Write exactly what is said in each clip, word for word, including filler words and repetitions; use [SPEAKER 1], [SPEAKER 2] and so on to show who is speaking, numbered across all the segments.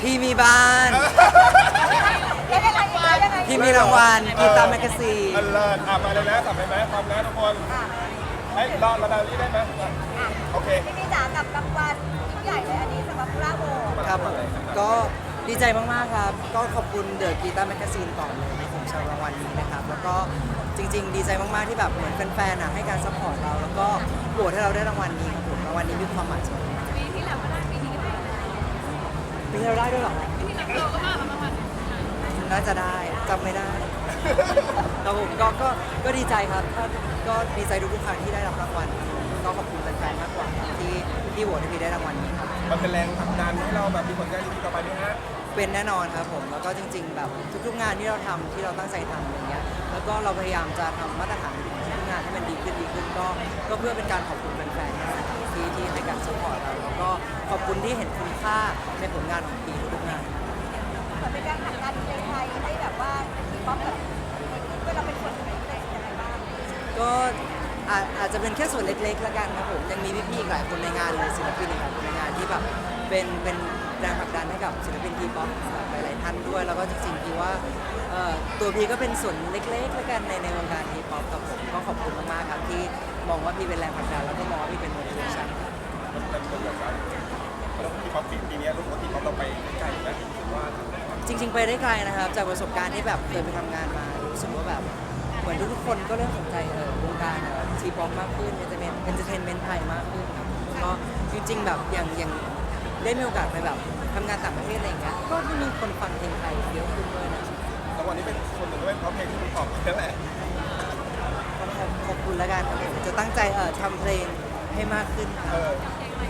[SPEAKER 1] พี่มีบ้าน
[SPEAKER 2] แล้วยังไงอีกแล้วยังไง
[SPEAKER 1] พี่มีรางวัลกีตาร์แมกกาซีน
[SPEAKER 3] อันเลิศอ่ะมาเลยนะสับไปไหมพร้อมนะทุกคนไอ้รอระดับนี้ได้ไหมโอเค
[SPEAKER 2] พี่พี่จ๋ากับรางวัลยิ่งใหญ่เลยอันนี้สำหรับพราโว
[SPEAKER 1] ครับก็ดีใจมากๆครับ ก็ขอบคุณเดอะกีตาร์แมกกาซีนก่อนเลยที่ผมชอบรางวัลนี้นะครับ แล้วก็จริงๆ ดีใจมากๆที่แบบเหมือนแฟนๆอ่ะให้การซัพพอร์ตเรา แล้วก็โหวตให้เราได้รางวัลนี้ครับผมรางวัลนี้มีความหมายสำหรับผม
[SPEAKER 4] ปีที่แล้วก็ได้ปีนี้ก็ได้
[SPEAKER 1] ปีที่เราได้ด้วยเหรอ
[SPEAKER 4] ปีที่แล้วเราก็มาแล้วมา
[SPEAKER 1] น่าจะได้จำไม่ได้ครับผมก็ก็ก็ดีใจครับถ้าก็ดีใจทุกๆครั้งที่ได้รับรางวัลก็ขอบคุณแฟนๆมากกว่าที่ที่โหวตให้พี่ได้รางวัลนี้ครับ
[SPEAKER 3] มันเป็นแรงผลักดันให้เราแบบมีผลงานดีๆต่อไปไหมฮะ
[SPEAKER 1] เป็นแน่นอนครับผมแล้วก็จริง ๆ แบบทุกๆงานที่เราทำที่เราตั้งใจทำอย่างเงี้ยแล้วก็เราพยายามจะทำมาตรฐานทุกๆงานให้มันดีขึ้นดีขึ้นก็ก็เพื่อเป็นการขอบคุณแฟนๆนะครับที่ที่ให้การสปอร์ตเราแล้วก็ขอบคุณที่เห็นคุณค่าในผลงานของปีทุกๆงาน
[SPEAKER 2] เหมือนเป็นการผลักดันเพลงไทยให้แบบว่าเป็นทีป๊อปแบบเวลาเป็นคนเป็นเพลงยังไงบ้าง
[SPEAKER 1] ก็อาจอาจจะเป็นแค่ส่วนเล็กๆแล้วกันครับผมยังมีพี่ๆอีกหลายคนในงานเลยศิลปินอีกหลายคนในงานที่แบบเป็นเป็นแรงผลักดันให้กับศิลปินทีป๊อปหลายๆท่านด้วยแล้วก็จริงๆพี่ว่าเอ่อตัวพี่ก็เป็นส่วนเล็กๆแล้วกันในในวงการทีป๊อปครับผมก็ขอบคุณมากๆครับที่มองว่าพี่เป็นแรงผลักดันแล้วก็มองว่าพี่เป็น motivation
[SPEAKER 3] มันเป็นเป็นแบบว่าแล้วที่ป๊อปปีนี้ลูกที่ป๊อปเราไปไกลไหมว่า
[SPEAKER 1] จริงๆ ไปได้ไกลนะครับจากประสบการณ์ที่แบบเคยไปทำงานมารู้สึกว่าแบบเหมือนทุกๆคนก็เริ่มสนใจเออวงการทีป๊อปมากขึ้นเอนเตอร์เทนเอนเตอร์เทนเมนต์ไทยมากขึ้นครับก็จริงๆแบบอย่างอย่างได้มีโอกาสไปแบบทำงานต่างประเทศอะไรอย่างเงี้ยก็มีคนฟังเพลงไทยเยอะขึ้นด้วยนะ
[SPEAKER 3] แล้ววันนี้เป็นคนหนึ่งด้วยเพราะเพลงที่คุณตอบนั่นแหละ
[SPEAKER 1] ก็ขอบขอบคุณแล้วกันครับผมจะตั้งใจเออทำเพลงให้มากขึ้นครับ
[SPEAKER 3] เออ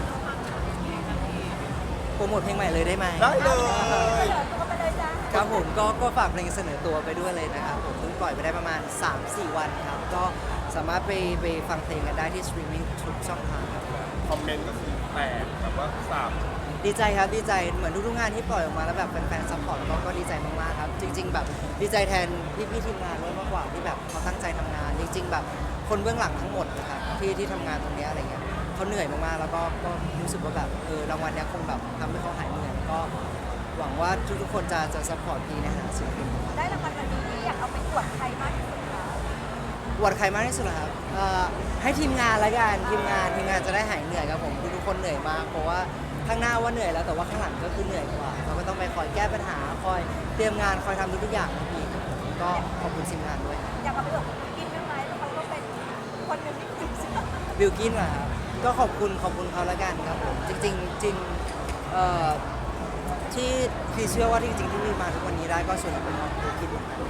[SPEAKER 1] โปรโมทเพลงใหม่เลยได้ไหม
[SPEAKER 3] ได้เลย
[SPEAKER 2] ก็ไปเลยจ้า
[SPEAKER 1] ครับผมก็ก็ฝากเพลงเสนอตัวไปด้วยเลยนะครับผมเพิ่งปล่อยไปได้ประมาณ สามสี่ วันครับก็สามารถไปไปฟังเพลงกันได้ที่สตรีมมิ่งทุกช่องทางครับ
[SPEAKER 3] คอมเมนต์ก็คือแตกแบบว่าสาบ
[SPEAKER 1] ดีใจครับดีใจเหมือนทุกๆงานที่ปล่อยออกมาแล้วแบบแฟนๆซัพพอร์ตก็ก็ดีใจมากๆครับจริง ๆ แบบดีใจแทนพี่ๆทีมงานด้วยมากกว่าที่แบบเขาตั้งใจทำงาน จริง ๆ แบบคนเบื้องหลังทั้งหมดนะครับที่ที่ทำงานตรงเนี้ยอะไรเงี้ยเขาเหนื่อยมากๆแล้วก็ก็รู้สึกว่าแบบเออรางวัลเนี้ยคงแบบทำให้เขาหายเหนื่อยก็หวังว่าทุกๆคนจะจะซัพพอร์ตพี่ในฐานะศิลปิน
[SPEAKER 2] ได้รางวัลวันนี้อยากเอาไปอวดใครมากที่สุดคะ
[SPEAKER 1] อวดใครมากที่สุดเหรอครับเอ่อให้ทีมงานละกันทีมงานทีมงานจะได้หายเหนื่อยครับผมคือทุกคนเหนื่อยมากเพราะว่าข้างหน้าว่าเหนื่อยแล้วแต่ว่าข้างหลังก็คือเหนื่อยกว่าเราก็ต้องไปคอยแก้ปัญหาคอยเตรียมงานคอยทำทุกๆอย่างอีกก็ขอบคุณทีมงานด้วยครับ
[SPEAKER 2] อยากเอาไปอวดกินได้ไหมเพราะเขาก็เป็นคนหนึ่งที่ติดเชื้อ
[SPEAKER 1] บิลกินเหรอครับก็ขอบคุณขอบคุณเขาละกันครับผมจริงๆจริงเอ่อที่พี่เชื่อว่าจริงๆที่พี่มาทุกวันนี้ได้ก็ส่วนหนึ่งเป็นเพราะบิลกินเหมือนกัน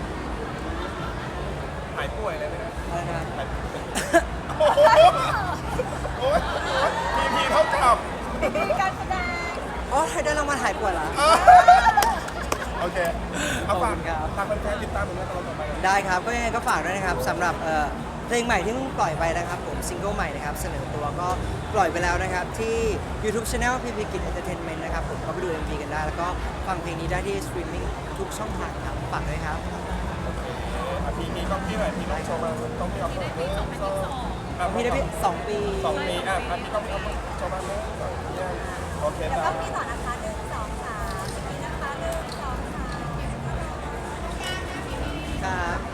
[SPEAKER 3] หายป่วยเลยนะ
[SPEAKER 1] อะไรนะ
[SPEAKER 3] หายป่วยโอ้โหโอ้ยพีพีเท่ากับ
[SPEAKER 2] มีการแสดง
[SPEAKER 1] อ๋อได้รางวัลหายป่วยเหรอ
[SPEAKER 3] โอเคเอาฝาก
[SPEAKER 1] ขอบคุณครับ
[SPEAKER 3] ฝากแฟนๆติดตามผลงานเราต่อไป
[SPEAKER 1] ได้ครับก็ยังไงก็ฝากด้วยนะครับสำหรับเอ่อเพลงใหม่ที่เพิ่งปล่อยไปนะครับผมซิงเกิลใหม่นะครับเสนอตัวก็ปล่อยไปแล้วนะครับที่ YouTube Channel พี พี Kid Entertainment นะครับผมก็ไปดู เอ็ม วี กันได้ แล้วก็ฟังเพลงนี้ได้ที่สตรีมมิ่งทุกช่องทางครับฝากด้วยครับ
[SPEAKER 3] อ่ะพีพีต้องพี่หน่อยพี่ต้องโชว์มาต้องพี่เอาเพิ่มเพิ่มสองอ่ะ
[SPEAKER 1] พี่ได้พี่สองปี
[SPEAKER 3] สองปีอ่ะอ่ะพี่ต้องพี่เอาโชว์มาเพิ่มสองปีอ่ะโอเค
[SPEAKER 2] เดี๋ยว
[SPEAKER 3] ค
[SPEAKER 2] ก็
[SPEAKER 3] รับ
[SPEAKER 2] มีต่อนะคะหนึ่งสองสามมีนะคะหนึ่งสองสาม
[SPEAKER 1] ครับ